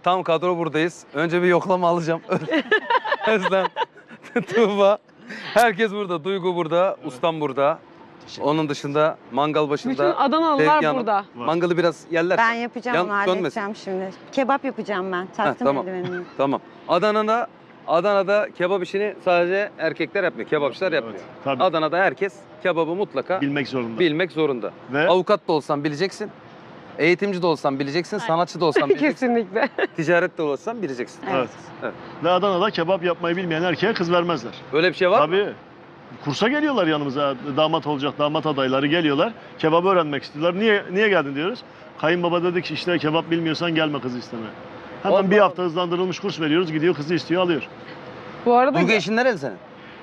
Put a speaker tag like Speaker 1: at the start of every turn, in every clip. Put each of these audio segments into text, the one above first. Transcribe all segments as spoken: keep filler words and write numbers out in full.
Speaker 1: Tam kadro buradayız. Önce bir yoklama alacağım. Özlem, Tuğba. Herkes burada. Duygu burada, ustam burada. Onun dışında mangal başında.
Speaker 2: Bütün Adanalılar
Speaker 1: Sevgi Hanım.
Speaker 2: burada.
Speaker 1: Mangalı biraz yerler.
Speaker 3: Ben yapacağım
Speaker 1: Yan-
Speaker 3: onu halledeceğim şimdi. Kebap yapacağım ben. Taktım
Speaker 1: tamam.
Speaker 3: eldivenimi.
Speaker 1: Tamam. Adana'da Adana'da kebap işini sadece erkekler yapmıyor. Kebapçılar yapmıyor.
Speaker 4: Evet, tabii.
Speaker 1: Adana'da herkes kebabı mutlaka
Speaker 4: Bilmek zorunda.
Speaker 1: bilmek zorunda.
Speaker 4: Ve
Speaker 1: Avukat da olsan bileceksin. Eğitimci de olsan bileceksin, sanatçı da olsan bileceksin,
Speaker 2: Kesinlikle.
Speaker 1: ticaret de olsan bileceksin.
Speaker 4: evet.
Speaker 1: Evet.
Speaker 4: Ve Adana'da kebap yapmayı bilmeyen erkeğe kız vermezler.
Speaker 1: Böyle bir şey var mı?
Speaker 4: Tabii. Kursa geliyorlar yanımıza. Damat olacak, damat adayları geliyorlar. Kebabı öğrenmek istiyorlar. Niye niye geldin diyoruz. Kayınbaba dedi ki işte kebap bilmiyorsan gelme kızı istemeye. Hemen
Speaker 1: Allah
Speaker 4: bir
Speaker 1: Allah.
Speaker 4: hafta hızlandırılmış kurs veriyoruz. Gidiyor kızı istiyor, alıyor.
Speaker 2: Bu arada
Speaker 1: Duygu eşin nereli senin?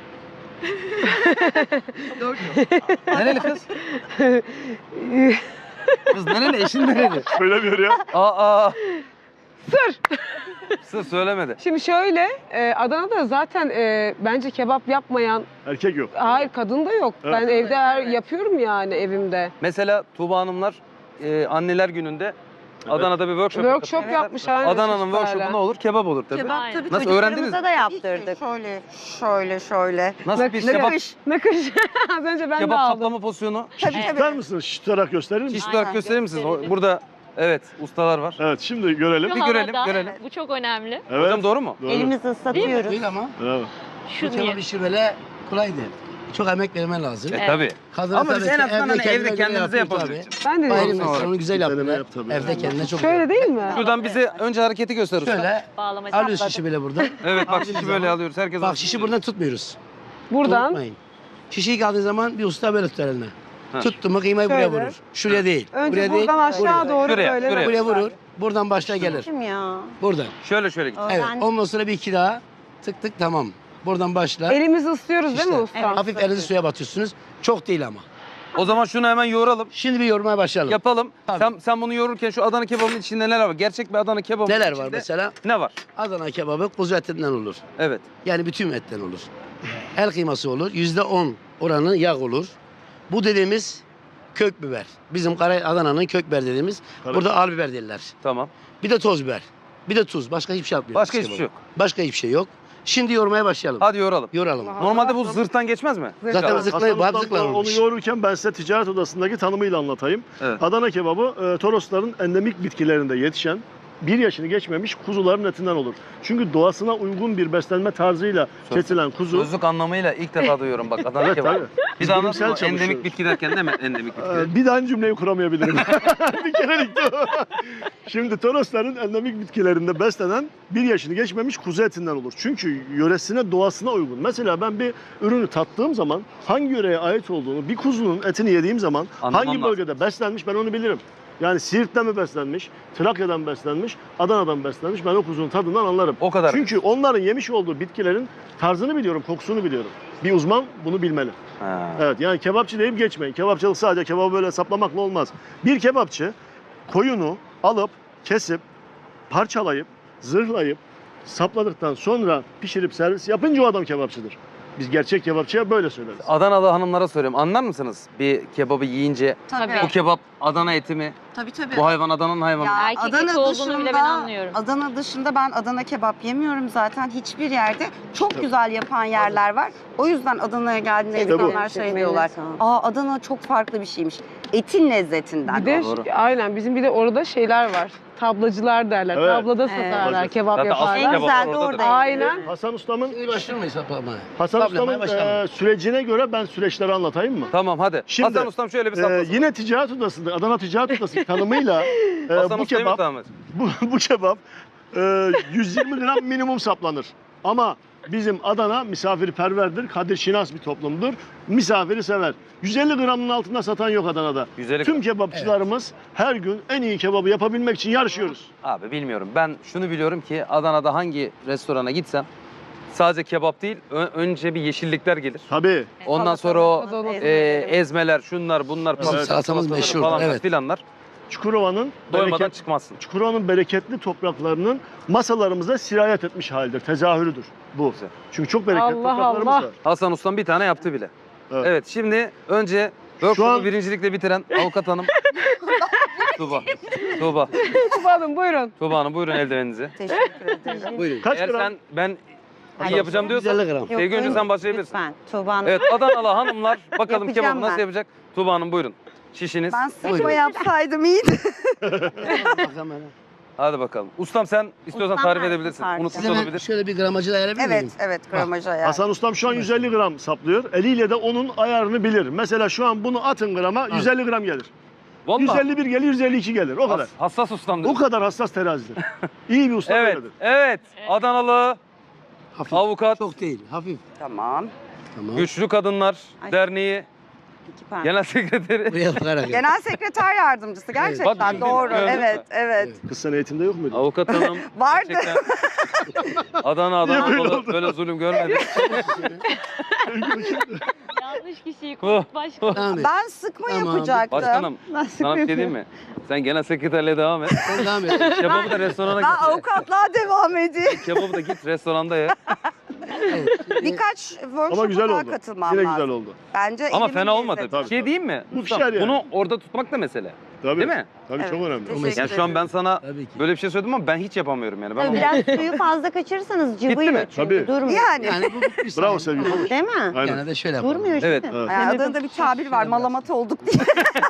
Speaker 1: Nereli kız? Kız nereli? Eşin nereli?
Speaker 4: Söylemiyor ya.
Speaker 1: Aa, aa.
Speaker 2: sır.
Speaker 1: Sır söylemedi.
Speaker 2: Şimdi şöyle, e, Adana'da zaten e, bence kebap yapmayan,
Speaker 4: Erkek yok.
Speaker 2: hayır kadın da yok.
Speaker 4: Evet.
Speaker 2: Ben evde her, yapıyorum yani evimde.
Speaker 1: Mesela Tuğba Hanımlar e, anneler gününde Adana'da bir workshop
Speaker 2: Workshop
Speaker 1: yapıyorlar.
Speaker 2: yapmış aynen.
Speaker 1: Adana'nın
Speaker 2: çocuklarla.
Speaker 1: workshopu ne olur? Kebap olur tabii.
Speaker 3: Kebap
Speaker 5: Aynen.
Speaker 3: tabii
Speaker 1: Nasıl
Speaker 3: çocuklarımıza
Speaker 1: öğrendiniz
Speaker 3: da yaptırdık. Şöyle, şöyle, şöyle.
Speaker 1: Nasıl bir kebap,
Speaker 3: Nakış.
Speaker 2: Nakış. Az önce ben de
Speaker 1: kebap
Speaker 2: aldım.
Speaker 1: saplama pozisyonu?
Speaker 3: Tabii
Speaker 4: Tutar
Speaker 3: tabii.
Speaker 4: mısınız? Şiş tutarak gösterir misiniz?
Speaker 1: Şiş olarak
Speaker 3: Aynen,
Speaker 1: gösterir misiniz?
Speaker 5: gösterelim.
Speaker 1: Burada evet ustalar var.
Speaker 4: Evet, şimdi görelim.
Speaker 5: Şu
Speaker 1: Bir görelim,
Speaker 5: havada,
Speaker 1: görelim.
Speaker 5: Bu çok önemli.
Speaker 4: Evet.
Speaker 1: Hocam doğru mu?
Speaker 4: Doğru.
Speaker 3: Elimizi ıslatıyoruz.
Speaker 6: Değil ama
Speaker 4: Bravo.
Speaker 5: Şu
Speaker 6: bu kebap
Speaker 5: niye?
Speaker 6: işi böyle kolay değil. Çok emek vermen lazım.
Speaker 1: E
Speaker 5: Evet.
Speaker 1: tabii.
Speaker 6: Kadın
Speaker 1: Ama biz
Speaker 6: tabii
Speaker 1: en
Speaker 6: ki
Speaker 1: azından hani
Speaker 6: kendine
Speaker 1: evde
Speaker 6: göre
Speaker 1: kendimize
Speaker 6: yapıyor
Speaker 1: yapabiliriz.
Speaker 2: Ben de
Speaker 6: tabii. Ayrı
Speaker 2: diyorum.
Speaker 1: Olsun
Speaker 6: mesele, onu güzel
Speaker 4: Bir deneme
Speaker 6: yaptılar.
Speaker 4: yap tabii.
Speaker 6: Evde kendine çok
Speaker 2: Şöyle değil mi?
Speaker 1: Şuradan bize önce hareketi göster usta.
Speaker 6: Şöyle
Speaker 5: Bağlamacı.
Speaker 6: alıyoruz şişi böyle buradan.
Speaker 1: Evet bak
Speaker 6: Aldığımız
Speaker 1: şişi böyle
Speaker 6: zaman-
Speaker 1: alıyoruz. Herkes
Speaker 6: Bak
Speaker 1: alsın.
Speaker 6: şişi buradan tutmuyoruz.
Speaker 2: Buradan.
Speaker 6: Unutmayın. Şişeyi kaldığı zaman bir usta böyle tutar eline.
Speaker 1: Ha.
Speaker 6: Tuttu mu kıymayı
Speaker 2: Şöyle.
Speaker 6: buraya vurur. Şuraya değil.
Speaker 2: Önce
Speaker 6: buraya değil.
Speaker 2: buradan aşağı
Speaker 6: buraya.
Speaker 2: doğru
Speaker 1: Şuraya,
Speaker 2: böyle.
Speaker 1: şuraya.
Speaker 6: Buraya vurur. Buradan başla gelir.
Speaker 3: Kim ya?
Speaker 6: Buradan.
Speaker 1: Şöyle şöyle git.
Speaker 6: Evet.
Speaker 3: Öğrendim.
Speaker 6: Ondan sonra bir iki daha. Tık tık tamam. Buradan başla.
Speaker 2: Elimizi ıslıyoruz değil mi
Speaker 6: İşte.
Speaker 2: usta?
Speaker 3: Evet.
Speaker 6: Hafif elinizi suya batıyorsunuz. Çok değil ama.
Speaker 1: O zaman şunu hemen yoğuralım.
Speaker 6: Şimdi bir yormaya başlayalım.
Speaker 1: Yapalım.
Speaker 6: Tabii.
Speaker 1: Sen, sen bunu yoğururken şu Adana kebabının içinde neler var? Gerçek bir Adana kebabının
Speaker 6: Neler
Speaker 1: içinde
Speaker 6: var mesela?
Speaker 1: ne var?
Speaker 6: Adana kebabı kuzu etinden olur.
Speaker 1: Evet.
Speaker 6: Yani bütün etten olur. El kıyması olur. Yüzde on oranı yağ olur. Bu dediğimiz kök biber. Bizim Kara Adana'nın kök biber dediğimiz.
Speaker 4: Kara-
Speaker 6: Burada al biber derler.
Speaker 1: Tamam.
Speaker 6: Bir de toz biber. Bir de tuz. Başka hiçbir şey yapmıyoruz.
Speaker 1: Başka
Speaker 6: biz
Speaker 1: hiçbir şey
Speaker 6: kebaba.
Speaker 1: yok.
Speaker 6: Başka hiçbir şey yok. Şimdi yoğurmaya başlayalım.
Speaker 1: Hadi yoğuralım.
Speaker 6: Yoralım.
Speaker 2: Allah.
Speaker 1: Normalde bu zırhtan geçmez mi?
Speaker 2: Zırhtan.
Speaker 6: Zaten
Speaker 1: Evet.
Speaker 6: zıkla,
Speaker 4: Hasan
Speaker 6: hep
Speaker 4: Ustam
Speaker 6: zıkla
Speaker 4: onu
Speaker 6: olmuş.
Speaker 4: yoğururken ben size ticaret odasındaki tanımıyla anlatayım.
Speaker 1: Evet.
Speaker 4: Adana kebabı e, Torosların endemik bitkilerinde yetişen bir yaşını geçmemiş kuzuların etinden olur. Çünkü doğasına uygun bir beslenme tarzıyla
Speaker 1: Söz-
Speaker 4: kesilen kuzu.
Speaker 1: Sözlük anlamıyla ilk defa duyuyorum bak Adana
Speaker 4: Evet,
Speaker 1: kebabı.
Speaker 4: tabii.
Speaker 1: Bir daha
Speaker 4: Bilimsel
Speaker 1: anlatın mı? Endemik
Speaker 4: çalışıyoruz.
Speaker 1: bitki derken değil mi? Endemik bitki.
Speaker 4: Ee, Bir daha aynı cümleyi kuramayabilirim. bir kerelikti o. Şimdi Torosların endemik bitkilerinde beslenen bir yaşını geçmemiş kuzu etinden olur. Çünkü yöresine, doğasına uygun. Mesela ben bir ürünü tattığım zaman hangi yöreye ait olduğunu, bir kuzunun etini yediğim zaman
Speaker 1: Anlamam
Speaker 4: hangi
Speaker 1: lazım.
Speaker 4: bölgede beslenmiş ben onu bilirim. Yani Siirt'ten mi beslenmiş, Trakya'dan beslenmiş, Adana'dan beslenmiş ben o kuzunun tadından anlarım.
Speaker 1: O kadar.
Speaker 4: Çünkü onların yemiş olduğu bitkilerin tarzını biliyorum, kokusunu biliyorum. Bir uzman bunu bilmeli.
Speaker 1: Ha.
Speaker 4: Evet, yani kebapçı deyip geçmeyin. Kebapçılık sadece kebabı böyle saplamakla olmaz. Bir kebapçı koyunu alıp, kesip, parçalayıp, zırhlayıp, sapladıktan sonra pişirip servis yapınca o adam kebapçıdır. Biz gerçek kebapçıya böyle söyleriz.
Speaker 1: Adanalı hanımlara soruyorum. Anlar mısınız bir kebabı yiyince?
Speaker 5: Tabii.
Speaker 1: Bu kebap Adana eti mi?
Speaker 3: Tabii tabii.
Speaker 1: Bu hayvan Adana'nın hayvanı mı?
Speaker 5: Erkek eti olduğunu bile ben anlıyorum.
Speaker 3: Adana dışında ben Adana kebap yemiyorum zaten hiçbir yerde. Çok güzel yapan yerler var. O yüzden Adana'ya geldiğinde
Speaker 4: İşte bu.
Speaker 3: insanlar şey diyorlar. Aa Adana çok farklı bir şeymiş. Etin lezzetinden.
Speaker 2: Bir de
Speaker 1: Doğru.
Speaker 2: aynen bizim bir de orada şeyler var. Tablacılar derler.
Speaker 4: Evet.
Speaker 2: Tablada
Speaker 3: Evet.
Speaker 2: satarlar kebap
Speaker 1: Zaten asıl
Speaker 2: yaparlar.
Speaker 3: En
Speaker 1: kebap
Speaker 3: güzel de
Speaker 1: oradadır.
Speaker 3: orada.
Speaker 2: Aynen.
Speaker 4: Hasan Ustam'ın
Speaker 6: Şimdi başlamayız saplamaya.
Speaker 4: Hasan
Speaker 6: Saplamaya
Speaker 4: Ustam'ın
Speaker 6: başlamayın.
Speaker 4: e, sürecine göre ben süreçleri anlatayım mı?
Speaker 1: Tamam hadi.
Speaker 4: Şimdi,
Speaker 1: Hasan Ustam şöyle bir
Speaker 4: Ee,
Speaker 1: saplasın.
Speaker 4: yine ticaret odasında, Adana Ticaret Odası tanımıyla e,
Speaker 1: Hasan
Speaker 4: bu
Speaker 1: Usta'yı mı
Speaker 4: kebap,
Speaker 1: tamam et?
Speaker 4: bu, bu kebap e, yüz yirmi gram minimum saplanır. Ama bizim Adana misafirperverdir, kadirşinas bir toplumdur. Misafiri sever. yüz elli gramın altında satan yok Adana'da.
Speaker 1: yüz elli
Speaker 4: Tüm kebapçılarımız her gün en iyi kebabı yapabilmek için yarışıyoruz.
Speaker 1: Abi bilmiyorum. Ben şunu biliyorum ki Adana'da hangi restorana gitsem sadece kebap değil ö- önce bir yeşillikler gelir.
Speaker 4: Tabii.
Speaker 1: Ondan sonra o
Speaker 2: Salatalık,
Speaker 1: e, ezmeler, şunlar, bunlar,
Speaker 6: Bizim
Speaker 1: patates
Speaker 6: salatamız
Speaker 1: salataları
Speaker 6: meşhur,
Speaker 1: falanlar
Speaker 6: evet.
Speaker 1: filanlar
Speaker 4: Çukurova'nın
Speaker 1: doymadan
Speaker 4: bereket,
Speaker 1: çıkmazsın.
Speaker 4: Çukurova'nın bereketli topraklarının masalarımıza sirayet etmiş halidir. Tezahürüdür bu.
Speaker 1: Güzel.
Speaker 4: Çünkü çok bereketli
Speaker 2: Allah
Speaker 4: topraklarımız
Speaker 2: Allah.
Speaker 4: var.
Speaker 1: Hasan Ustam bir tane yaptı bile.
Speaker 4: Evet.
Speaker 1: Evet, şimdi önce workshop'u
Speaker 4: an-
Speaker 1: birincilikle bitiren avukat hanım Tuğba. Tuğba.
Speaker 2: Tuba Hanım buyurun.
Speaker 1: Tuğba Hanım buyurun eldiveninizi.
Speaker 3: Teşekkür ederim.
Speaker 6: Buyurun.
Speaker 4: Kaç
Speaker 1: Eğer
Speaker 4: gram?
Speaker 1: sen ben
Speaker 3: Hayır.
Speaker 1: iyi yapacağım diyorsan
Speaker 6: yüz elli gram.
Speaker 1: Sevgi önce sen başlayabilirsin.
Speaker 3: Lütfen Tuğba Hanım.
Speaker 1: Evet Adanalı hanımlar bakalım
Speaker 3: Yapacağım
Speaker 1: kebabı nasıl
Speaker 3: ben.
Speaker 1: yapacak? Tuğba Hanım buyurun. Şişiniz.
Speaker 3: Ben sıkma
Speaker 6: Buyurun.
Speaker 3: yapsaydım iyiydi.
Speaker 6: Bak hemen.
Speaker 1: Hadi bakalım. Ustam sen istiyorsan
Speaker 3: Ustam
Speaker 1: tarif
Speaker 3: tarif
Speaker 1: edebilirsin.
Speaker 3: tarif.
Speaker 1: Unutmuş
Speaker 6: Size ben
Speaker 1: olabilir.
Speaker 6: şöyle bir gramajı da ayarlayabilir
Speaker 3: Evet,
Speaker 6: miyim?
Speaker 3: evet gramajı ayar.
Speaker 4: Hasan Ustam şu an yüz elli gram saplıyor. Eliyle de onun ayarını bilir. Mesela şu an bunu atın grama yüz elli gram gelir.
Speaker 1: Vallahi
Speaker 4: yüz elli bir gelir, yüz elli iki gelir. O kadar.
Speaker 1: has- hassas ustamdır.
Speaker 4: O kadar hassas terazidir. İyi bir usta
Speaker 1: Evet,
Speaker 4: böyledir.
Speaker 1: evet. Adanalı
Speaker 6: Hafif.
Speaker 1: Avukat.
Speaker 6: Çok değil. Hafif.
Speaker 3: Tamam.
Speaker 6: Tamam.
Speaker 1: Güçlü Kadınlar
Speaker 3: Ay.
Speaker 1: Derneği
Speaker 3: İki parmak.
Speaker 1: Genel Sekreteri.
Speaker 6: Buraya bakarak. yap.
Speaker 3: Genel sekreter yardımcısı gerçekten
Speaker 1: Bak,
Speaker 3: doğru.
Speaker 1: gördün mü?
Speaker 3: Evet, evet.
Speaker 4: Kız sen eğitimde yok muydu?
Speaker 1: Avukat hanım.
Speaker 3: Vardı.
Speaker 1: Gerçekten Adana
Speaker 4: Niye
Speaker 1: Adana
Speaker 4: böyle
Speaker 1: böyle,
Speaker 4: oldu?
Speaker 1: böyle zulüm görmedim.
Speaker 5: Yanlış kişiyi
Speaker 1: Oh,
Speaker 5: kurt başka.
Speaker 6: Devam et.
Speaker 3: Ben sıkma
Speaker 6: Tamam.
Speaker 3: yapacaktım.
Speaker 1: Başkanım
Speaker 3: Ben
Speaker 1: sana bir şey diyeyim mi? Sen genel sekreterliğe devam et.
Speaker 6: Sen devam et.
Speaker 1: Kebabı da restorana
Speaker 3: Ben
Speaker 1: git.
Speaker 3: avukatlığa devam edeyim.
Speaker 1: Kebabı da git restoranda ye.
Speaker 6: Evet.
Speaker 3: Birkaç workshop'a
Speaker 4: Ama güzel
Speaker 3: daha
Speaker 4: oldu.
Speaker 3: katılmam
Speaker 4: Yine
Speaker 3: lazım.
Speaker 4: güzel oldu.
Speaker 3: Bence
Speaker 1: Ama
Speaker 3: elimin
Speaker 1: fena olmadı.
Speaker 3: lezzeti.
Speaker 4: Tabii,
Speaker 1: Bir şey
Speaker 4: tabii.
Speaker 1: diyeyim mi?
Speaker 4: Bu
Speaker 1: Ustam,
Speaker 4: pişer yani.
Speaker 1: Bunu orada tutmak da mesele.
Speaker 4: Tabii.
Speaker 1: Değil mi?
Speaker 4: Tabii çok
Speaker 3: Evet.
Speaker 4: önemli.
Speaker 3: Teşekkür
Speaker 1: Yani şu an ben sana
Speaker 6: Tabii ki.
Speaker 1: böyle bir şey söyledim ama ben hiç yapamıyorum yani. Ben
Speaker 7: Tabii
Speaker 1: onu-
Speaker 7: biraz suyu fazla kaçırırsanız cıvıyor
Speaker 1: mi?
Speaker 7: çünkü
Speaker 4: Tabii.
Speaker 7: durmuyor.
Speaker 3: Yani.
Speaker 6: Yani bu bitmiş.
Speaker 4: Bravo
Speaker 6: sayın.
Speaker 4: Sevgi. konuş.
Speaker 7: Değil mi?
Speaker 4: Aynen.
Speaker 6: Gene de şöyle yapalım.
Speaker 7: Durmuyor
Speaker 1: Evet.
Speaker 7: işte.
Speaker 4: Evet.
Speaker 3: Ay, Adana'da bir tabir var, malamat olduk diye.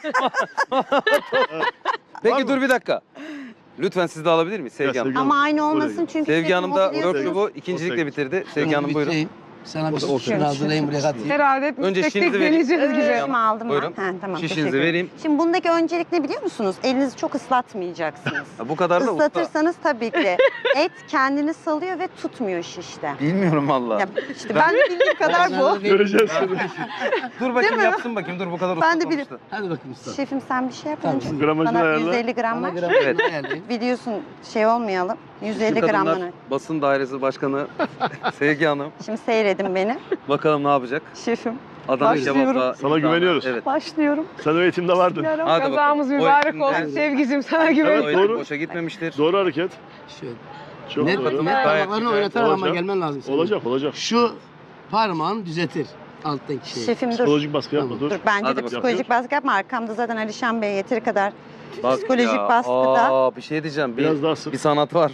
Speaker 1: Peki
Speaker 4: Var mı?
Speaker 1: dur bir dakika. Lütfen siz de alabilir miyiz Sevgi
Speaker 4: Ya,
Speaker 1: Hanım?
Speaker 4: Sevgi
Speaker 7: Ama aynı
Speaker 4: Oraya
Speaker 7: olmasın
Speaker 4: git.
Speaker 7: çünkü
Speaker 1: Sevgi
Speaker 7: şefim
Speaker 1: Hanım da
Speaker 7: o biliyorsunuz.
Speaker 1: workshop'u ikincilikle
Speaker 4: Ortaya
Speaker 1: bitirdi. Sevgi Hanım buyurun.
Speaker 6: Bitireyim. Sana bir
Speaker 4: Orada ortaya.
Speaker 6: şunu hazırlayayım buraya katayım.
Speaker 2: Herhalde hepimiz
Speaker 1: Önce
Speaker 2: tek
Speaker 1: şişinizi
Speaker 2: tek
Speaker 1: vereyim.
Speaker 2: deneyeceğiz gibi.
Speaker 1: Evet.
Speaker 7: Şişimi aldım
Speaker 1: Buyurun.
Speaker 7: ben. Ha, tamam,
Speaker 1: Şişinizi
Speaker 7: teşekkür ederim.
Speaker 1: vereyim.
Speaker 7: Şimdi bundaki öncelik ne biliyor musunuz? Elinizi çok ıslatmayacaksınız.
Speaker 1: Ha, bu kadar da usta.
Speaker 7: Islatırsanız tabii ki et kendini salıyor ve tutmuyor şişte.
Speaker 1: Bilmiyorum valla.
Speaker 7: Ya işte ben de bildiğim kadar bu.
Speaker 4: Göreceğiz.
Speaker 1: Dur bakayım yapsın bakayım. Dur bu kadar usta
Speaker 7: Ben de
Speaker 1: olmamıştı.
Speaker 7: bilirim.
Speaker 6: Hadi bakayım usta.
Speaker 7: Şefim sen bir şey yap
Speaker 6: Tamam,
Speaker 7: önce.
Speaker 4: gramajını
Speaker 7: Bana
Speaker 4: ayarla.
Speaker 7: yüz elli gram
Speaker 6: Bana
Speaker 7: var.
Speaker 6: gramajını
Speaker 1: Evet.
Speaker 6: ayarlayın.
Speaker 7: Biliyorsun şey olmayalım. yüz
Speaker 1: Güçlü
Speaker 7: elli
Speaker 1: Kadınlar
Speaker 7: gramını.
Speaker 1: Basın Dairesi Başkanı Sevgi Hanım.
Speaker 7: Şimdi seyredin beni.
Speaker 1: Bakalım ne yapacak?
Speaker 7: Şefim
Speaker 1: Adana
Speaker 7: Başlıyorum.
Speaker 1: kebapla.
Speaker 4: Sana güveniyoruz.
Speaker 1: Evet.
Speaker 7: başlıyorum.
Speaker 4: Sen o eğitimde vardın.
Speaker 1: Hadi bakalım.
Speaker 2: Kazamız
Speaker 1: O
Speaker 2: mübarek
Speaker 1: eğitimde-
Speaker 2: olsun Sevgicim sana
Speaker 1: O
Speaker 2: güveniyorum.
Speaker 1: eğitim
Speaker 4: Doğru.
Speaker 1: boşa gitmemiştir.
Speaker 4: Doğru hareket.
Speaker 6: Şöyle.
Speaker 4: Çok
Speaker 6: Net,
Speaker 4: doğru.
Speaker 6: net
Speaker 1: Gayet
Speaker 6: parmaklarını
Speaker 1: güzel.
Speaker 6: oynatarak ama
Speaker 4: Olacak.
Speaker 6: gelmen lazım. senin.
Speaker 4: Olacak olacak.
Speaker 6: Şu parmağın düzeltir alttaki şeyi.
Speaker 7: Şefim dur.
Speaker 4: Psikolojik baskı yapma
Speaker 6: Tamam.
Speaker 4: dur.
Speaker 7: Dur bence
Speaker 1: Hadi
Speaker 7: de
Speaker 1: bakalım.
Speaker 7: psikolojik baskı yapma. Arkamda zaten Alişan Bey yeteri kadar
Speaker 1: Bak
Speaker 7: psikolojik
Speaker 1: ya,
Speaker 7: baskıda.
Speaker 1: Aa, bir şey diyeceğim. Bir,
Speaker 4: Biraz daha sık.
Speaker 1: bir sanat var.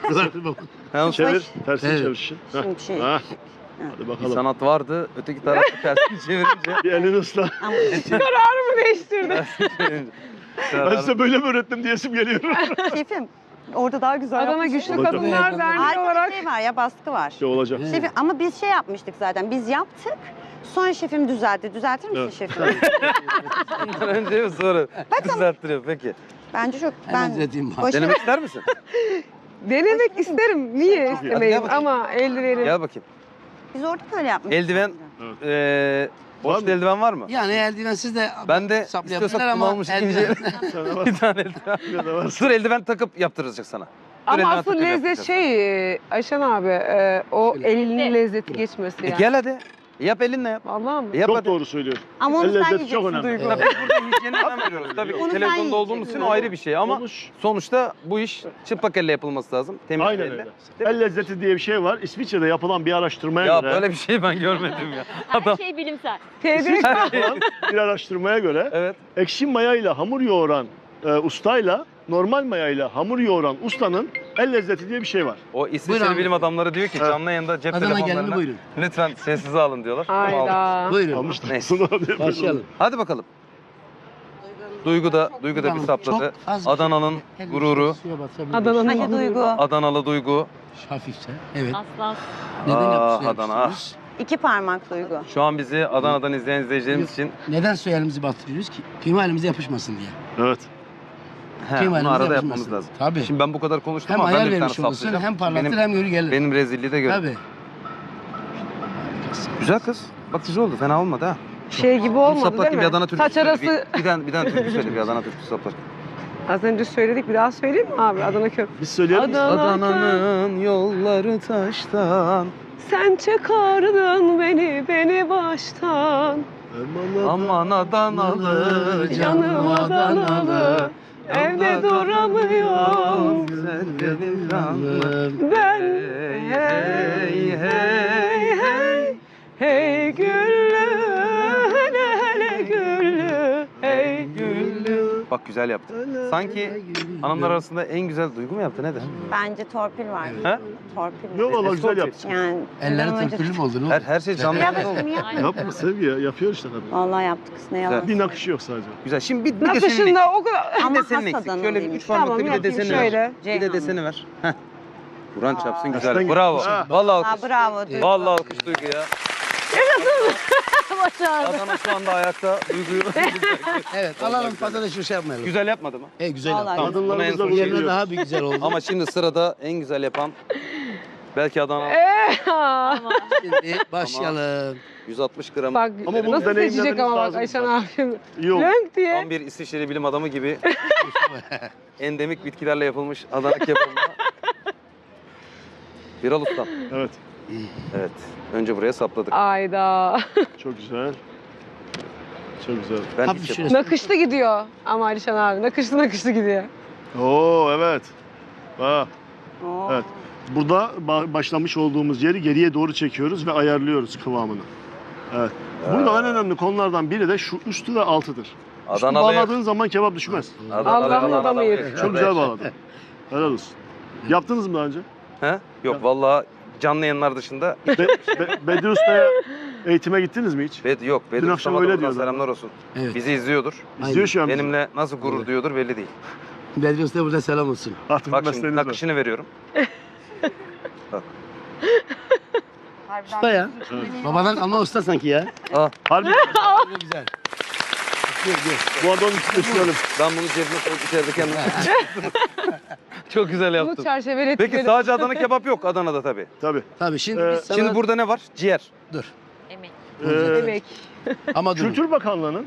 Speaker 1: Yalnız
Speaker 4: Çevir. Tersini
Speaker 6: Evet.
Speaker 4: çevir şişi. Heh.
Speaker 7: Şimdi şey.
Speaker 4: Ha. Hadi
Speaker 1: bir
Speaker 4: bakalım.
Speaker 1: sanat vardı. Öteki tarafı tersini çevirince.
Speaker 4: Bir elini ısla.
Speaker 7: Ama
Speaker 2: Kararımı değiştirdim.
Speaker 1: tersini çevirince.
Speaker 4: Ben size böyle mi öğrettim diyesim geliyor.
Speaker 7: şefim orada daha güzel
Speaker 2: Adana
Speaker 7: yapmışsın.
Speaker 2: Güçlü
Speaker 4: Olacak.
Speaker 2: Kadınlar Derneği
Speaker 7: Harika
Speaker 2: olarak
Speaker 7: bir şey var ya baskı var.
Speaker 4: Şey olacak.
Speaker 6: Evet.
Speaker 7: Şefim, ama biz şey yapmıştık zaten. Biz yaptık. Sonra şefim düzeltti. Düzeltir misin
Speaker 4: Evet.
Speaker 7: şefim?
Speaker 1: Bundan önce mi sonra? Düzelttiriyor peki.
Speaker 7: Bence çok
Speaker 6: Hemen
Speaker 7: ben
Speaker 6: düzelteyim.
Speaker 7: Boş-
Speaker 1: Denemek ister misin?
Speaker 2: denemek isterim. Niye
Speaker 1: Hadi
Speaker 2: istemeyim
Speaker 1: gel bakayım.
Speaker 2: ama eldivenim.
Speaker 1: Gel bakayım.
Speaker 7: biz orada böyle yapmıştık.
Speaker 1: Eldiven, eee
Speaker 4: Var
Speaker 1: boş
Speaker 4: mı?
Speaker 1: eldiven var mı?
Speaker 6: Yani eldivensiz de
Speaker 1: Ben de
Speaker 6: saplayabilirler
Speaker 1: istiyorsak
Speaker 6: ama
Speaker 1: kullanılmış ikinci
Speaker 6: eldiven-
Speaker 4: Sana var.
Speaker 1: bir tane eldiven.
Speaker 4: Bir de var.
Speaker 1: Dur eldiven takıp yaptıracak sana. Dur,
Speaker 2: Ama
Speaker 1: eldiven
Speaker 2: asıl
Speaker 1: takıp
Speaker 2: lezzet
Speaker 1: yaptıracak.
Speaker 2: şey e, Ayşen abi e, o
Speaker 6: Şöyle.
Speaker 2: elinin lezzeti geçmesi
Speaker 1: E
Speaker 2: yani.
Speaker 1: gel hadi. Yap elinle yap.
Speaker 2: Vallahi mi?
Speaker 1: Yap
Speaker 4: Çok
Speaker 1: hadi.
Speaker 4: doğru söylüyor.
Speaker 7: Ama onu
Speaker 4: El
Speaker 7: sen
Speaker 4: lezzeti çok
Speaker 7: yiyeceksin
Speaker 4: önemli.
Speaker 7: Duygu.
Speaker 1: Tabii burada hijyene önem veriyoruz. Tabii
Speaker 7: Onu sen
Speaker 1: televizyonda olduğumuz için
Speaker 7: yiyeceksin.
Speaker 1: o ayrı bir şey ama
Speaker 4: Konuş.
Speaker 1: sonuçta bu iş çıplak elle yapılması lazım. Temiz
Speaker 4: Aynen
Speaker 1: elle.
Speaker 4: öyle.
Speaker 1: Değil mi?
Speaker 4: El lezzeti diye bir şey var. İsviçre'de yapılan bir araştırmaya
Speaker 1: Ya
Speaker 4: göre,
Speaker 1: böyle bir şey ben görmedim ya.
Speaker 5: Her
Speaker 1: Adam.
Speaker 5: şey bilimsel.
Speaker 2: Tebrik.
Speaker 4: yapılan bir araştırmaya göre
Speaker 1: Evet.
Speaker 4: ekşi mayayla hamur yoğuran e, ustayla normal mayayla hamur yoğuran ustanın el lezzeti diye bir şey var.
Speaker 1: O İsviçreli
Speaker 6: Buyurun.
Speaker 1: bilim adamları diyor ki
Speaker 4: Evet.
Speaker 1: canlı yayında cep
Speaker 6: Adana gelini
Speaker 1: telefonlarını
Speaker 6: buyurun.
Speaker 1: lütfen sessize alın diyorlar. Aldık.
Speaker 2: Hayda.
Speaker 6: Buyurun.
Speaker 4: Almışlar.
Speaker 1: Neyse.
Speaker 4: Sonra-
Speaker 6: Başlayalım.
Speaker 1: Hadi bakalım. Duygu da, Duygu da bir
Speaker 6: Tamam,
Speaker 1: sapladı.
Speaker 6: çok az bir
Speaker 1: Adana'nın
Speaker 6: şey. El
Speaker 1: gururu.
Speaker 6: suya batırabiliriz.
Speaker 2: Adana'nın
Speaker 7: Hadi
Speaker 2: gururu.
Speaker 7: Duygu.
Speaker 1: Adanalı Duygu.
Speaker 6: Hafifçe. Evet.
Speaker 5: Aslan.
Speaker 6: Neden
Speaker 1: Ah,
Speaker 6: yapıyorsunuz?
Speaker 1: Adana.
Speaker 7: İki parmak Duygu.
Speaker 1: Şu an bizi Adana'dan izleyen izleyicilerimiz için
Speaker 6: Neden suya elimizi batırıyoruz ki? Kıyma elimize yapışmasın diye.
Speaker 4: Evet.
Speaker 1: he,
Speaker 6: Kıyma
Speaker 1: bunu
Speaker 6: elimize
Speaker 1: arada
Speaker 6: yapışmasın.
Speaker 1: yapmamız lazım.
Speaker 6: Tabii.
Speaker 1: Şimdi ben bu kadar konuştum
Speaker 6: Hem
Speaker 1: ama ben
Speaker 6: ayar
Speaker 1: de bir tane
Speaker 6: vermiş olursun,
Speaker 1: saplayacağım.
Speaker 6: hem parlatır
Speaker 1: benim,
Speaker 6: hem yürü gelir.
Speaker 1: benim rezilliği de gör.
Speaker 6: Tabii.
Speaker 1: Güzel kız. Bak güzel oldu. Fena olmadı ha.
Speaker 2: Şey gibi
Speaker 1: Bunu
Speaker 2: olmadı
Speaker 1: saplarken
Speaker 2: değil
Speaker 1: bir
Speaker 2: mi?
Speaker 1: Adana türküsü
Speaker 2: Saç
Speaker 1: söyle.
Speaker 2: arası
Speaker 1: Bir, bir, tane, bir tane türkü söyle bir Adana türküsü saplarken.
Speaker 2: az önce söyledik bir daha söyleyeyim mi abi Adana köprü.
Speaker 4: Biz söyleyelim.
Speaker 2: Adana
Speaker 1: Adana'nın yolları taştan.
Speaker 2: Sen çıkardın beni beni baştan.
Speaker 1: Aman Adanalı
Speaker 2: Canım Adanalı. Evde duramıyorum.
Speaker 1: Güzel benim canım.
Speaker 2: Ben
Speaker 1: Hey hey hey.
Speaker 2: Hey güllü hele hele güllü. Hey güllü.
Speaker 1: Bak güzel yaptın. Sanki hanımlar arasında en güzel duygu mu yaptı nedir?
Speaker 7: Bence torpil var.
Speaker 1: Ha?
Speaker 7: Torpil
Speaker 4: Yok
Speaker 7: var.
Speaker 4: valla güzel
Speaker 1: Escort
Speaker 4: yaptın.
Speaker 7: Yani
Speaker 6: Elleri
Speaker 7: inanılmacı-
Speaker 6: tırpülü mü oldu? Ne
Speaker 1: Her,
Speaker 6: oldu?
Speaker 1: her şey canlı.
Speaker 7: Yap
Speaker 1: canlı oldu.
Speaker 7: aşkım yap.
Speaker 4: Yapma Sevgi ya. Yapıyor işte kadın.
Speaker 7: Vallahi yaptık kız ne yalan.
Speaker 4: Bir nakışı yok sadece.
Speaker 1: Güzel. Şimdi bir, bir de senin
Speaker 2: Nakışında o kadar.
Speaker 1: Bir
Speaker 7: Ama
Speaker 1: de senin
Speaker 7: has
Speaker 1: eksik.
Speaker 7: Adanalı
Speaker 1: Şöyle bir
Speaker 7: değilmiş.
Speaker 1: üç parmaklı
Speaker 2: Tamam
Speaker 1: bir de
Speaker 2: yapayım
Speaker 1: deseni ver.
Speaker 2: şöyle.
Speaker 1: Bir de
Speaker 7: Ceyhan.
Speaker 1: deseni ver. Heh. Kur'an çarpsın güzel.
Speaker 4: Aslan
Speaker 1: Bravo.
Speaker 4: gibi. Ha.
Speaker 1: Vallahi
Speaker 7: Aa,
Speaker 1: alkış.
Speaker 7: bravo. Duygu.
Speaker 1: Vallahi alkış Duygu ya.
Speaker 5: Başardı.
Speaker 1: Adana şu anda ayakta Duygu'yu.
Speaker 6: Evet alalım patates şu şey yapmayalım.
Speaker 1: Güzel yapmadı mı?
Speaker 6: E güzel
Speaker 7: Vallahi
Speaker 6: yaptın.
Speaker 1: Tamam. Bunu en
Speaker 4: Kadınlarımızla
Speaker 1: son
Speaker 4: bu
Speaker 1: şey-
Speaker 6: Yerine
Speaker 4: geliyor.
Speaker 6: daha bir güzel oldu.
Speaker 1: Ama şimdi sırada en güzel yapan belki Adana
Speaker 2: Ee,
Speaker 5: Ama
Speaker 6: Şimdi başlayalım.
Speaker 1: yüz altmış gram.
Speaker 2: bak
Speaker 4: Ama bunu
Speaker 2: nasıl
Speaker 4: deneyimlemeniz
Speaker 2: seçecek ama bak
Speaker 4: lazım
Speaker 2: Ayşen
Speaker 4: bak.
Speaker 2: abim.
Speaker 4: İyi oldu.
Speaker 2: Lönk diye.
Speaker 1: Tam bir İsviçreli bilim adamı gibi endemik bitkilerle yapılmış Adana kebabına. Viral ustam.
Speaker 4: Evet.
Speaker 1: Evet. Önce buraya sapladık.
Speaker 2: Ayda.
Speaker 4: Çok güzel. Çok güzel.
Speaker 1: Ben
Speaker 6: Hafif
Speaker 1: hiç
Speaker 6: şöyle-
Speaker 2: Nakışlı gidiyor ama Alişan abi. Nakışlı nakışlı gidiyor.
Speaker 4: Oo evet. Bak.
Speaker 7: Oo.
Speaker 4: Evet. Burada ba- başlamış olduğumuz yeri geriye doğru çekiyoruz ve ayarlıyoruz kıvamını. Evet. Burada en önemli konulardan biri de şu üstü ve altıdır. Üstü
Speaker 1: Adanalı'ya
Speaker 4: bağladığın zaman kebap düşmez.
Speaker 2: Allah'ın adamı yedi.
Speaker 4: Çok güzel bağladın. Helal olsun. Yaptınız mı daha önce?
Speaker 1: He? Yok vallahi canlı yayınlar dışında
Speaker 4: Be- Be- Bedir Usta'ya eğitime gittiniz mi hiç?
Speaker 1: Bed yok. Bedir
Speaker 4: Dün akşam
Speaker 1: Usta'ma da
Speaker 4: öyle
Speaker 1: buradan
Speaker 4: diyordu.
Speaker 1: selamlar olsun.
Speaker 6: Evet.
Speaker 1: Bizi izliyordur.
Speaker 4: İzliyor şu an bizi.
Speaker 1: Benimle nasıl gurur
Speaker 6: Evet.
Speaker 1: duyuyordur belli değil.
Speaker 6: Bedri Usta burada selam olsun.
Speaker 4: Artık
Speaker 1: Bak
Speaker 4: bir
Speaker 1: şimdi
Speaker 4: mesleğiniz var.
Speaker 1: nakışını veriyorum.
Speaker 7: Harbiden
Speaker 6: Usta ya.
Speaker 7: Evet.
Speaker 6: Babadan kalma usta sanki ya.
Speaker 1: Ah,
Speaker 4: Harbi
Speaker 6: Harbi güzel. Gel gel.
Speaker 4: bu adamın üstüne sürelim.
Speaker 1: ben bunu cebime koyup içeride kendim. Çok güzel
Speaker 2: Bu
Speaker 1: yaptın.
Speaker 2: çerçevelettikleri.
Speaker 1: Peki sadece Adana kebap yok Adana'da tabii.
Speaker 4: Tabii.
Speaker 6: Tabii şimdi
Speaker 4: Ee,
Speaker 6: biz sana...
Speaker 1: Şimdi burada ne var? Ciğer.
Speaker 6: Dur.
Speaker 5: emin.
Speaker 4: Ee,
Speaker 2: Demek.
Speaker 6: Ama dur.
Speaker 4: Kültür Bakanlığı'nın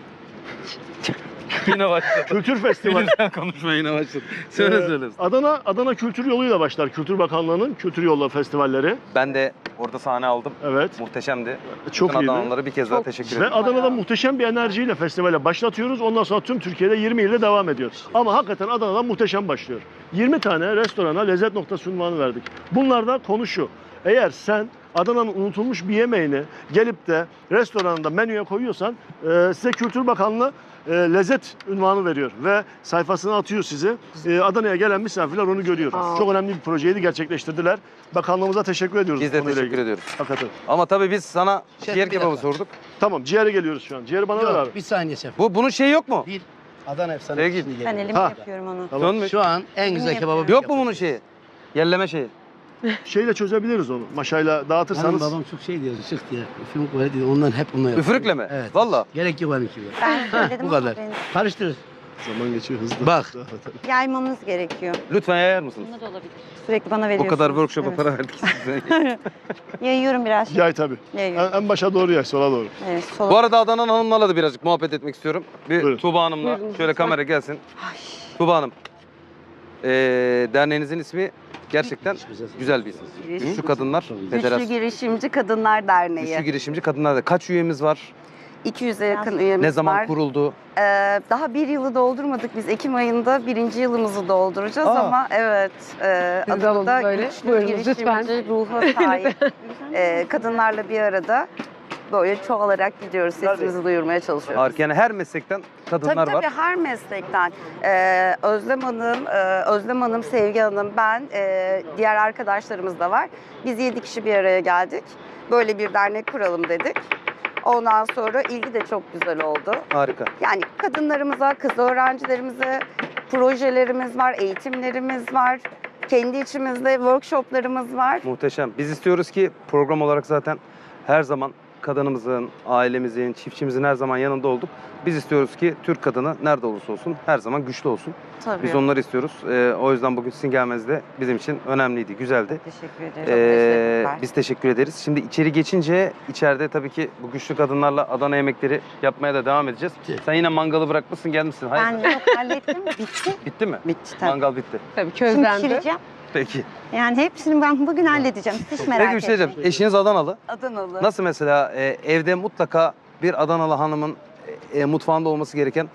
Speaker 1: Yine başladı.
Speaker 4: Kültür Festivali.
Speaker 1: Sen konuşma yine başladı. Söyle
Speaker 4: Ee,
Speaker 1: söyle.
Speaker 4: Adana Adana Kültür Yolu'yla başlar. Kültür Bakanlığı'nın Kültür Yolu Festivalleri.
Speaker 1: Ben de orada sahne aldım.
Speaker 4: Evet.
Speaker 1: Muhteşemdi.
Speaker 4: Çok
Speaker 1: Bütün
Speaker 4: iyiydi.
Speaker 1: Adanalılara bir kez daha
Speaker 2: Çok-
Speaker 1: teşekkür
Speaker 4: Ve
Speaker 1: ederim.
Speaker 4: Adana'da muhteşem bir enerjiyle festivale başlatıyoruz. Ondan sonra tüm Türkiye'de yirmi ilde devam ediyor. Ama hakikaten Adana'dan muhteşem başlıyor. yirmi tane restorana lezzet noktası unvanı verdik. Bunlarda konu şu. Eğer sen Adana'nın unutulmuş bir yemeğini gelip de restoranında menüye koyuyorsan e, size Kültür Bakanlığı e, lezzet unvanı veriyor ve sayfasına atıyor sizi. E, Adana'ya gelen misafirler onu görüyor.
Speaker 2: Aa.
Speaker 4: Çok önemli bir projeydi gerçekleştirdiler. Bakanlığımıza teşekkür ediyoruz.
Speaker 1: Biz
Speaker 4: bu
Speaker 1: de
Speaker 4: konuyla
Speaker 1: teşekkür
Speaker 4: ilgili.
Speaker 1: ediyoruz.
Speaker 4: Hakikaten.
Speaker 1: Ama tabii biz sana
Speaker 6: Şef,
Speaker 1: ciğer
Speaker 6: bir
Speaker 1: kebabı
Speaker 6: dakika.
Speaker 1: sorduk.
Speaker 4: Tamam ciğere geliyoruz şu an. Ciğeri bana ver abi.
Speaker 6: Yok, bir saniye şef.
Speaker 1: Bu bunun şeyi yok mu?
Speaker 6: Bir Adana efsane.
Speaker 1: Sevgili.
Speaker 6: şimdi
Speaker 7: Ben
Speaker 6: geliyor.
Speaker 7: elimle
Speaker 4: Ha.
Speaker 7: yapıyorum onu.
Speaker 4: Tamam.
Speaker 1: Dönmüş.
Speaker 6: Şu an en güzel
Speaker 7: Emin
Speaker 6: kebabı
Speaker 7: yapıyorum.
Speaker 1: Yok mu bunun şeyi? Yelleme şeyi.
Speaker 4: Şeyle çözebiliriz onu. Maşayla
Speaker 6: Benim
Speaker 4: dağıtırsanız.
Speaker 6: babam çok şey diyor, şık diyor. Üfürük var diyor, ondan hep onunla yapıyor.
Speaker 1: Üfürükle mi?
Speaker 6: Evet.
Speaker 1: Valla.
Speaker 6: Gerek yok benimki.
Speaker 7: Ben söyledim
Speaker 6: Bu
Speaker 7: ama
Speaker 6: kadar.
Speaker 7: benim
Speaker 6: Karıştır.
Speaker 4: Zaman geçiyor hızlı.
Speaker 6: Bak.
Speaker 7: yaymamız gerekiyor.
Speaker 1: Lütfen yayar mısınız?
Speaker 5: Bunda da olabilir.
Speaker 7: Sürekli bana
Speaker 1: O
Speaker 7: veriyorsunuz.
Speaker 1: kadar workshop'a
Speaker 7: Evet.
Speaker 1: para verdik size.
Speaker 7: Yayıyorum biraz.
Speaker 4: Yay tabii.
Speaker 7: Yayıyorum.
Speaker 4: En, en başa doğru yay, sola doğru.
Speaker 7: Evet, sola.
Speaker 1: Bu arada Adana'nın hanımlarla da birazcık muhabbet etmek istiyorum. Bir
Speaker 4: Buyurun.
Speaker 1: Tuğba Hanım'la
Speaker 2: Buyurun,
Speaker 1: şöyle
Speaker 2: lütfen.
Speaker 1: kamera gelsin.
Speaker 7: Ay.
Speaker 1: Tuğba Hanım. Ee, derneğinizin ismi gerçekten güzel bir isim. Güçlü Kadınlar
Speaker 3: Güçlü
Speaker 1: Federasyonu.
Speaker 3: Girişimci Kadınlar Derneği.
Speaker 1: Güçlü girişimci kadınlar da kaç üyemiz var?
Speaker 3: iki yüze yakın üyemiz
Speaker 1: Ne zaman
Speaker 3: var.
Speaker 1: kuruldu?
Speaker 3: Ee, daha bir yılı doldurmadık. Biz Ekim ayında birinci yılımızı dolduracağız
Speaker 1: Aa.
Speaker 3: ama evet e,
Speaker 2: Biz de alalım
Speaker 3: Adana'da
Speaker 2: böyle.
Speaker 3: güçlü
Speaker 2: Buyurunuz,
Speaker 3: girişimci
Speaker 2: lütfen.
Speaker 3: ruha sahip e, kadınlarla bir arada böyle çoğalarak gidiyoruz. Sesimizi duyurmaya çalışıyoruz.
Speaker 1: Harika. Yani her meslekten kadınlar
Speaker 3: Tabii tabii
Speaker 1: var.
Speaker 3: her meslekten. Ee, Özlem Hanım, e, Özlem Hanım, Sevgi Hanım, ben, e, diğer arkadaşlarımız da var. Biz yedi kişi bir araya geldik. Böyle bir dernek kuralım dedik. Ondan sonra ilgi de çok güzel oldu.
Speaker 1: Harika.
Speaker 3: Yani kadınlarımıza, kız öğrencilerimize projelerimiz var, eğitimlerimiz var. Kendi içimizde workshoplarımız var.
Speaker 1: Muhteşem. Biz istiyoruz ki program olarak zaten her zaman kadınımızın, ailemizin, çiftçimizin her zaman yanında olduk. Biz istiyoruz ki Türk kadını nerede olursa olsun her zaman güçlü olsun.
Speaker 3: Tabii.
Speaker 1: Biz onları istiyoruz. Ee, o yüzden bugün sizin gelmeniz de bizim için önemliydi, güzeldi.
Speaker 3: Teşekkür ederim.
Speaker 1: Ee,
Speaker 3: Teşekkürler.
Speaker 1: biz teşekkür ederiz. Şimdi içeri geçince içeride tabii ki bu güçlü kadınlarla Adana yemekleri yapmaya da devam edeceğiz.
Speaker 6: Evet.
Speaker 1: Sen yine mangalı bırakmışsın, gelmişsin. Hayır.
Speaker 7: Ben yok hallettim. Bitti.
Speaker 1: Bitti mi?
Speaker 7: Bitti tabii.
Speaker 1: Mangal bitti.
Speaker 2: Tabii
Speaker 7: Şimdi
Speaker 2: közlendi.
Speaker 7: pişireceğim.
Speaker 1: Peki.
Speaker 7: Yani hepsini ben bugün halledeceğim. Hiç merak
Speaker 1: Peki bir şey
Speaker 7: etmeyin.
Speaker 1: diyeceğim. Eşiniz Adanalı.
Speaker 3: Adanalı.
Speaker 1: Nasıl mesela e, evde mutlaka bir Adanalı hanımın e, e, mutfağında olması gereken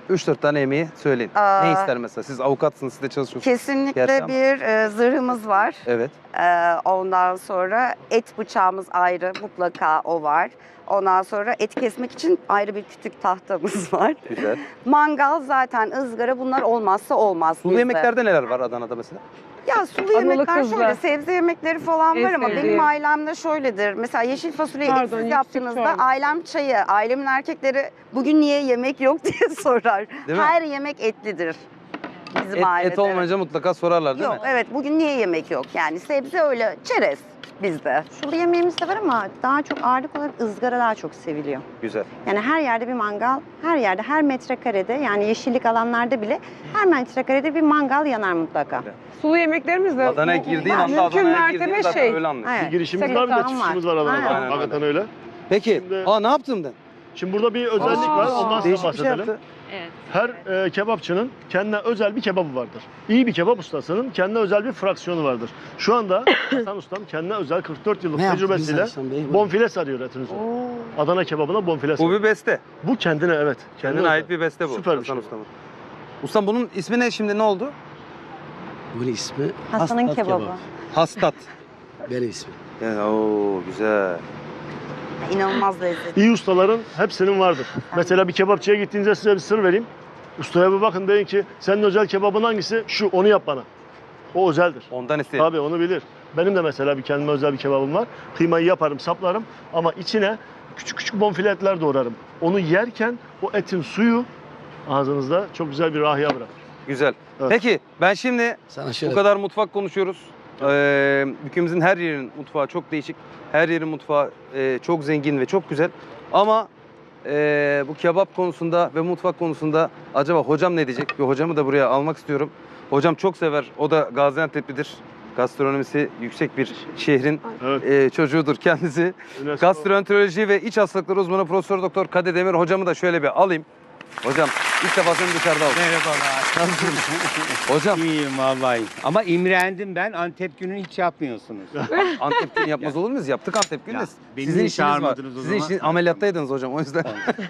Speaker 1: üç dört tane yemeği söyleyin.
Speaker 3: Aa,
Speaker 1: Ne ister mesela? Siz avukatsınız, siz de çalışıyorsunuz.
Speaker 3: Kesinlikle
Speaker 1: Gerçi ama-
Speaker 3: bir e, zırhımız var.
Speaker 1: Evet.
Speaker 3: Ee, ondan sonra et bıçağımız ayrı, mutlaka o var. Ondan sonra et kesmek için ayrı bir kütük tahtamız var.
Speaker 1: Güzel.
Speaker 3: Mangal zaten, ızgara, bunlar olmazsa olmaz
Speaker 1: Sulu
Speaker 3: bizde.
Speaker 1: yemeklerde neler var Adana'da mesela?
Speaker 3: Ya sulu
Speaker 2: Analı
Speaker 3: yemekler
Speaker 2: kızlı.
Speaker 3: şöyle, sebze yemekleri falan
Speaker 2: En
Speaker 3: var ama
Speaker 2: sevdiğim.
Speaker 3: benim ailemde şöyledir. Mesela yeşil fasulyeyi
Speaker 2: Pardon,
Speaker 3: etsiz
Speaker 2: yüksek
Speaker 3: yaptığınızda
Speaker 2: çorbası.
Speaker 3: ailem çayı, ailemin erkekleri bugün niye yemek yok diye sorar.
Speaker 1: Değil mi?
Speaker 3: Her yemek etlidir bizim
Speaker 1: Et,
Speaker 3: ailede.
Speaker 1: et olmayınca mutlaka sorarlar değil
Speaker 3: Yok,
Speaker 1: mi?
Speaker 3: evet, bugün niye yemek yok? Yani sebze öyle, çerez bizde.
Speaker 7: Sulu yemeğimiz de var ama daha çok ağırlık olarak ızgara daha çok seviliyor.
Speaker 1: Güzel.
Speaker 7: Yani her yerde bir mangal, her yerde, her metrekarede yani yeşillik alanlarda bile her metrekarede bir mangal yanar mutlaka.
Speaker 2: Sulu yemeklerimiz de
Speaker 1: Adana'ya
Speaker 2: bu-
Speaker 1: girdiğin
Speaker 2: bu
Speaker 1: anda
Speaker 2: mümkün
Speaker 1: Adana'ya
Speaker 2: mertebe
Speaker 1: girdiğin zaten
Speaker 2: şey.
Speaker 1: öyle anlıyorsun.
Speaker 7: Evet.
Speaker 4: Bir girişimiz
Speaker 7: Sekiz
Speaker 4: var, bir de
Speaker 7: tane var.
Speaker 4: çıkışımız var Adana'da.
Speaker 7: Aynen.
Speaker 4: Hakikaten öyle.
Speaker 1: Peki.
Speaker 4: Şimdi-
Speaker 1: Aa ne yaptın ben?
Speaker 4: Şimdi burada bir özellik
Speaker 2: Aa,
Speaker 4: var, ondan sonra
Speaker 1: Değişik bir şey
Speaker 4: bahsedelim.
Speaker 1: yaptı.
Speaker 5: Evet.
Speaker 4: Her e, kebapçının kendine özel bir kebabı vardır. İyi bir kebap ustasının kendine özel bir fraksiyonu vardır. Şu anda Hasan Ustam kendine özel kırk dört yıllık
Speaker 6: Ne yaptı
Speaker 4: tecrübesiyle
Speaker 6: biz Hasan Bey?
Speaker 4: bonfile sarıyor etinizi. Adana kebabına bonfile
Speaker 1: Bu
Speaker 4: sarıyor.
Speaker 1: bir beste.
Speaker 4: Bu kendine evet.
Speaker 1: Kendine
Speaker 4: özel.
Speaker 1: ait bir beste bu.
Speaker 4: Süper bir
Speaker 1: Hasan
Speaker 4: şey.
Speaker 1: Usta'nın. Ustam bunun ismi ne şimdi, ne oldu?
Speaker 6: Bunun ismi
Speaker 7: Hasan'ın
Speaker 6: Hastat
Speaker 7: kebabı.
Speaker 6: kebap.
Speaker 1: Hastat.
Speaker 6: Benim ismim.
Speaker 1: Yani, oo güzel.
Speaker 3: İnanılmaz lezzetli.
Speaker 4: İyi ustaların hepsinin vardır. Mesela bir kebapçıya gittiğinizde size bir sır vereyim. Ustaya bir bakın, deyin ki senin özel kebabın hangisi? Şu, onu yap bana. O özeldir.
Speaker 1: Ondan istedim.
Speaker 4: Tabii onu bilir. Benim de mesela bir kendime özel bir kebabım var. Kıymayı yaparım, saplarım ama içine küçük küçük bonfile etler doğrarım. Onu yerken o etin suyu ağzınızda çok güzel bir rahiye bırakır.
Speaker 1: Güzel.
Speaker 4: Evet.
Speaker 1: Peki ben şimdi
Speaker 6: Sana şöyle
Speaker 1: bu kadar mutfak konuşuyoruz. Ee, ülkemizin her yerinin mutfağı çok değişik. Her yerin mutfağı e, çok zengin ve çok güzel. Ama e, bu kebap konusunda ve mutfak konusunda acaba hocam ne diyecek? Bir hocamı da buraya almak istiyorum. Hocam çok sever. O da Gaziantep'lidir. Gastronomisi yüksek bir şehrin
Speaker 4: Evet.
Speaker 1: e, çocuğudur kendisi.
Speaker 4: UNESCO-
Speaker 1: Gastroenteroloji ve iç hastalıkları uzmanı Profesör Doktor Kadir Demir hocamı da şöyle bir alayım. Hocam ilk defa seni dışarıda aldım.
Speaker 8: Merhabalar.
Speaker 1: Hocam
Speaker 8: İyiyim vallahi. Ama imrendim ben. Antep günü hiç yapmıyorsunuz.
Speaker 1: Antep günü yapmaz olur muyuz? Yaptık Antep günü. de.
Speaker 8: Ya, beni
Speaker 1: Sizin
Speaker 8: niye
Speaker 1: işiniz var.
Speaker 8: çağırmadınız o
Speaker 1: Sizin
Speaker 8: zaman?
Speaker 1: işiniz ameliyattaydınız hocam o yüzden.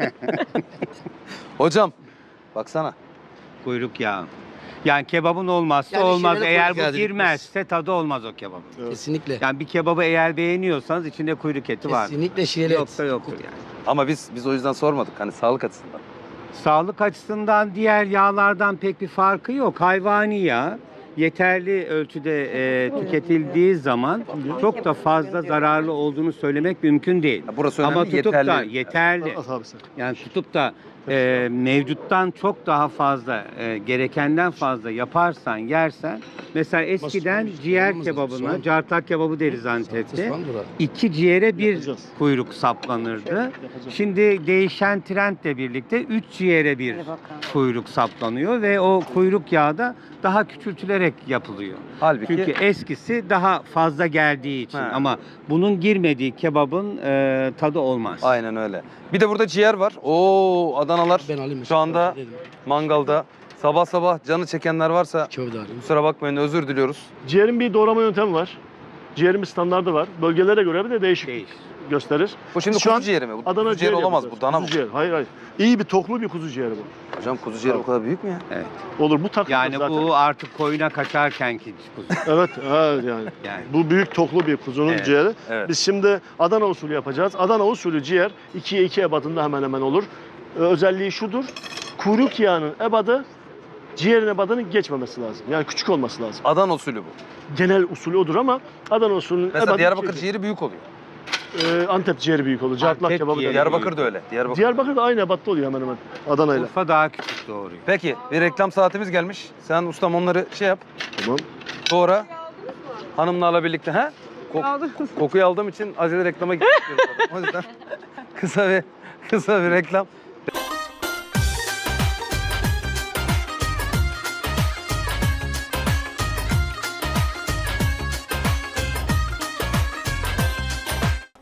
Speaker 1: Hocam baksana.
Speaker 8: Kuyruk yağı. Yani kebabın olmazsa
Speaker 6: Yani
Speaker 8: olmaz.
Speaker 6: içine de
Speaker 8: Eğer
Speaker 6: kuyruk yağı
Speaker 8: bu
Speaker 6: dedik
Speaker 8: girmezse tadı olmaz o kebap.
Speaker 6: Kesinlikle.
Speaker 8: Yani bir kebabı eğer beğeniyorsanız içinde kuyruk eti var.
Speaker 6: Kesinlikle şiirli et.
Speaker 8: Yoksa yoktur yani.
Speaker 1: Ama biz biz o yüzden sormadık hani sağlık açısından.
Speaker 8: Sağlık açısından diğer yağlardan pek bir farkı yok. Hayvani yağ yeterli ölçüde e, tüketildiği zaman çok da fazla zararlı olduğunu söylemek mümkün değil.
Speaker 1: Ya burası önemli,
Speaker 8: Ama tutup da
Speaker 1: yeterli.
Speaker 8: yeterli.
Speaker 4: At abi sen.
Speaker 8: Yani tutup da e, mevcuttan çok daha fazla, e, gerekenden fazla yaparsan, yersen, mesela eskiden
Speaker 6: Nasıl?
Speaker 8: ciğer
Speaker 6: Soğan mı?
Speaker 8: kebabına,
Speaker 6: Soğan.
Speaker 8: cartak kebabı deriz Antep'te,
Speaker 6: Soğan bura.
Speaker 8: iki ciğere bir
Speaker 4: Yapacağız.
Speaker 8: kuyruk saplanırdı.
Speaker 4: Yapacağız.
Speaker 8: Şimdi değişen trendle birlikte üç ciğere bir
Speaker 7: Hadi bakalım.
Speaker 8: kuyruk saplanıyor ve o kuyruk yağı da daha küçültülerek yapılıyor.
Speaker 1: Halbuki
Speaker 8: Çünkü eskisi daha fazla geldiği için,
Speaker 1: He.
Speaker 8: ama bunun girmediği kebabın e, tadı olmaz.
Speaker 1: aynen öyle. Bir de burada ciğer var. Oo Adanalar
Speaker 6: Ben alayım.
Speaker 1: şu anda mangalda. Sabah sabah canı çekenler varsa
Speaker 6: Köfte alayım.
Speaker 1: kusura bakmayın, özür diliyoruz.
Speaker 4: Ciğerin bir doğrama yöntemi var. Ciğerin bir standardı var. Bölgelere göre bir de değişik
Speaker 8: Değiş.
Speaker 4: gösterir.
Speaker 1: Bu şimdi
Speaker 4: Şu
Speaker 1: kuzu
Speaker 4: an
Speaker 1: ciğeri mi? Bu
Speaker 4: Adana
Speaker 1: kuzu ciğeri
Speaker 4: ciğer
Speaker 1: olamaz
Speaker 4: yapacağız.
Speaker 1: bu, dana mı?
Speaker 4: Kuzu ciğer. Hayır hayır. İyi bir toklu bir kuzu ciğeri bu.
Speaker 1: Hocam kuzu ciğeri o kadar büyük mü ya?
Speaker 4: Olur, bu takılır
Speaker 8: Yani
Speaker 4: zaten.
Speaker 8: bu artık koyuna kaçarkenki kuzu.
Speaker 4: Evet, evet yani.
Speaker 8: Yani
Speaker 4: Bu büyük toklu bir kuzunun
Speaker 8: Evet.
Speaker 4: ciğeri.
Speaker 1: Evet.
Speaker 4: Biz şimdi Adana usulü yapacağız. Adana usulü ciğer ikiye iki ebadında hemen hemen olur. Ee, özelliği şudur. Kuyruk yağının ebadı ciğerin ebadının geçmemesi lazım. Yani küçük olması lazım.
Speaker 1: Adana usulü bu.
Speaker 4: Genel usulü odur ama Adana usulünün
Speaker 1: Mesela
Speaker 4: ebadı
Speaker 1: Diyarbakır
Speaker 4: iki-
Speaker 1: ciğeri büyük oluyor.
Speaker 4: Ee, Antep ciğeri büyük olur. Cartlak
Speaker 8: Antep
Speaker 4: kebabı da.
Speaker 8: ciğeri.
Speaker 1: Diyarbakır da öyle. Diyarbakır.
Speaker 4: Diyarbakır da aynı ebatta oluyor hemen hemen Adana'yla.
Speaker 8: Urfa daha küçük doğuruyor.
Speaker 1: Peki bir reklam saatimiz gelmiş. Sen ustam onları şey yap.
Speaker 4: Tamam.
Speaker 1: Sonra hanımlarla birlikte ha? Kok-
Speaker 2: Aldınız.
Speaker 1: kokuyu aldığım için acele reklama gitmek istiyorum. O yüzden kısa bir kısa bir reklam.